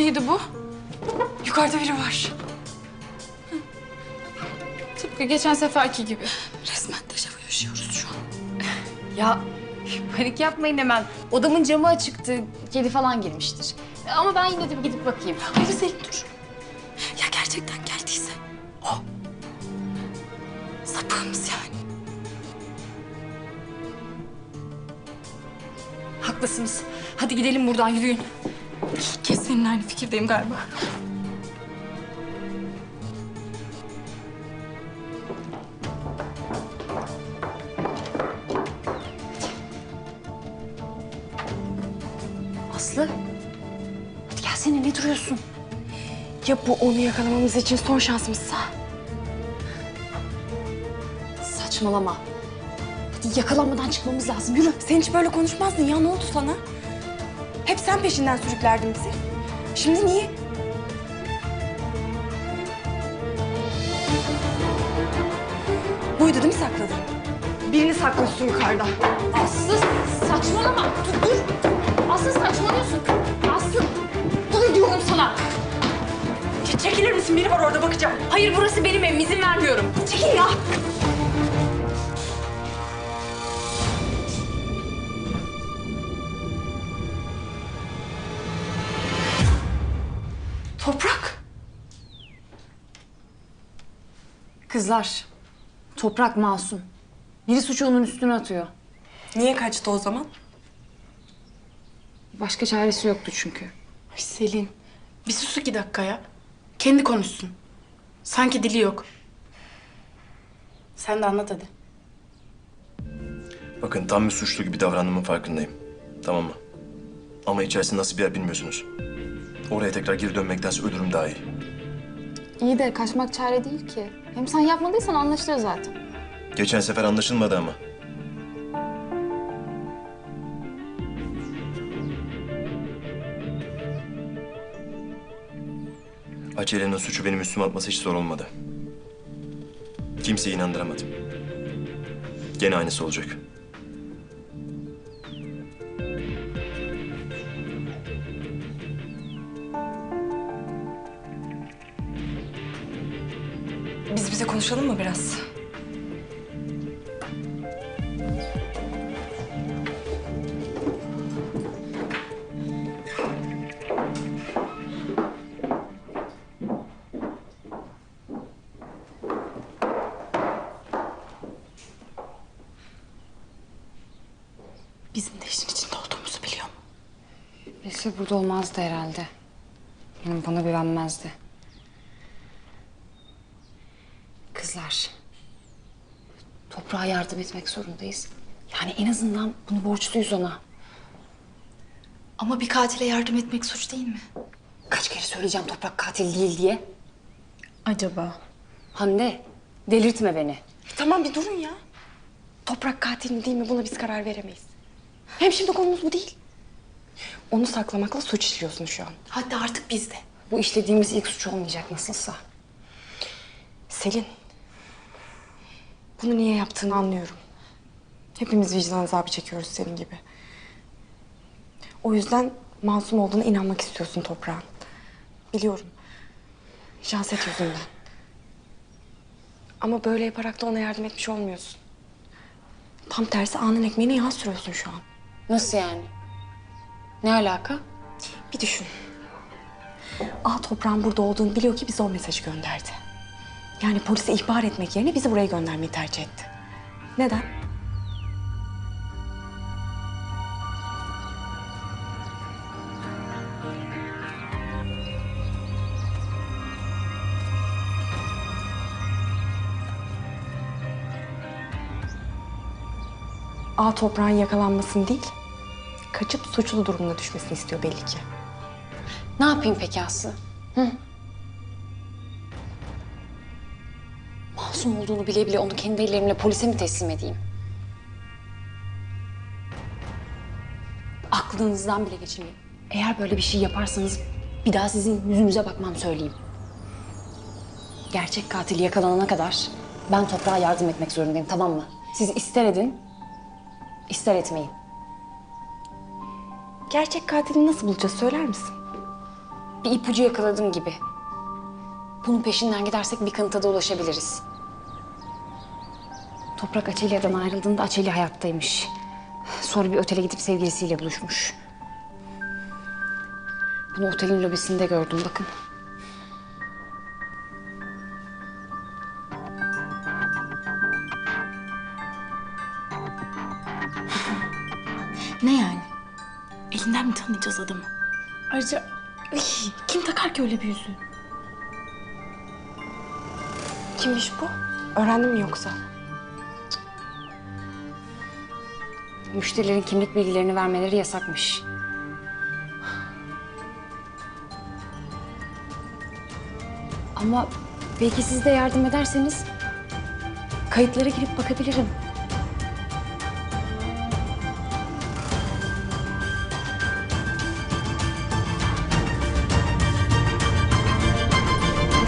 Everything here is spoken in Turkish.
neydi bu? Yukarıda biri var. Tıpkı geçen seferki gibi. Resmen dejavu yaşıyoruz şu an. Ya panik yapmayın hemen. Odamın camı açıktı. Kedi falan girmiştir. Ama ben yine de bir gidip bakayım. Hayır Selin dur. Ya gerçekten geldiyse o. Sapığımız yani. Haklısınız. Hadi gidelim buradan, yürüyün. İlk kez seninle aynı fikirdeyim galiba. Aslı. Hadi gelsene, ne duruyorsun? Ya bu onu yakalamamız için son şansımızsa? Saçmalama. Hadi yakalanmadan çıkmamız lazım. Yürü. Sen hiç böyle konuşmazdın ya, ne oldu sana? Hep sen peşinden sürüklerdin bizi. Şimdi niye? Buydu değil mi sakladın? Birini saklıyorsun yukarıda. Aslı saçmalama. Dur. Aslı saçmalıyorsun. Aslı. Dur diyorum sana. Çekilir misin? Biri var orada, bakacağım. Hayır, burası benim evim. İzin vermiyorum. Çekil ya. Toprak. Kızlar. Toprak masum. Biri suçu onun üstüne atıyor. Niye kaçtı o zaman? Başka çaresi yoktu çünkü. Ay Selin, bir sus 2 dakika ya. Kendi konuşsun. Sanki dili yok. Sen de anlat hadi. Bakın tam bir suçlu gibi davrandığımın farkındayım. Tamam mı? Ama içerisi nasıl bir yer bilmiyorsunuz. Oraya tekrar geri dönmektense ölürüm daha iyi. İyi de kaçmak çare değil ki. Hem sen yapmadıysan anlaşılır zaten. Geçen sefer anlaşılmadı ama. Acele'nin suçu benim üstüme atması hiç zor olmadı. Kimseyi inandıramadım. Gene aynısı olacak. Biz bize konuşalım mı biraz? Bizim de işin içinde olduğumuzu biliyor mu? Bilse burada olmazdı herhalde. Yani bana güvenmezdi. Kızlar. Toprağa yardım etmek zorundayız. Yani en azından bunu borçluyuz ona. Ama bir katile yardım etmek suç değil mi? Kaç kere söyleyeceğim Toprak katil değil diye. Acaba? Hande, delirtme beni. Tamam bir durun ya. Toprak katil mi değil mi, buna biz karar veremeyiz. Hem şimdi konumuz bu değil. Onu saklamakla suç işliyorsun şu an. Hadi artık biz de. Bu işlediğimiz ilk suç olmayacak nasılsa. Selin. Bunu niye yaptığını anlıyorum. Hepimiz vicdan azabı çekiyoruz senin gibi. O yüzden masum olduğuna inanmak istiyorsun Toprağın. Biliyorum. Janset yüzünden. Ama böyle yaparak da ona yardım etmiş olmuyorsun. Tam tersi alnın ekmeğine yağ sürüyorsun şu an. Nasıl yani? Ne alaka? Bir düşün. Toprağın burada olduğunu biliyor ki bize o mesajı gönderdi. Yani polise ihbar etmek yerine bizi buraya göndermeyi tercih etti. Neden? Toprağın yakalanmasını değil, kaçıp suçlu durumuna düşmesini istiyor belli ki. Ne yapayım peki Aslı? Hı? Masum olduğunu bile bile onu kendi ellerimle polise mi teslim edeyim? Aklınızdan bile geçirmeyin. Eğer böyle bir şey yaparsanız bir daha sizin yüzünüze bakmam söyleyeyim. Gerçek katil yakalanana kadar ben Toprağa yardım etmek zorundayım, tamam mı? Siz ister edin, ister etmeyin. Gerçek katili nasıl bulacağız, söyler misin? bir ipucu yakaladım gibi. Bunun peşinden gidersek bir kanıta da ulaşabiliriz. Toprak Açelya'dan ayrıldığında Açelya hayattaymış. Sonra bir otele gidip sevgilisiyle buluşmuş. Bunu otelin lobisinde gördüm, bakın. Ne yani? Elinden mi tanıyacağız adamı? Ayrıca ay, kim takar ki öyle bir yüzüğü? Kimmiş bu? Öğrendin mi yoksa? Müşterilerin kimlik bilgilerini vermeleri yasakmış. Ama belki siz de yardım ederseniz kayıtlara girip bakabilirim.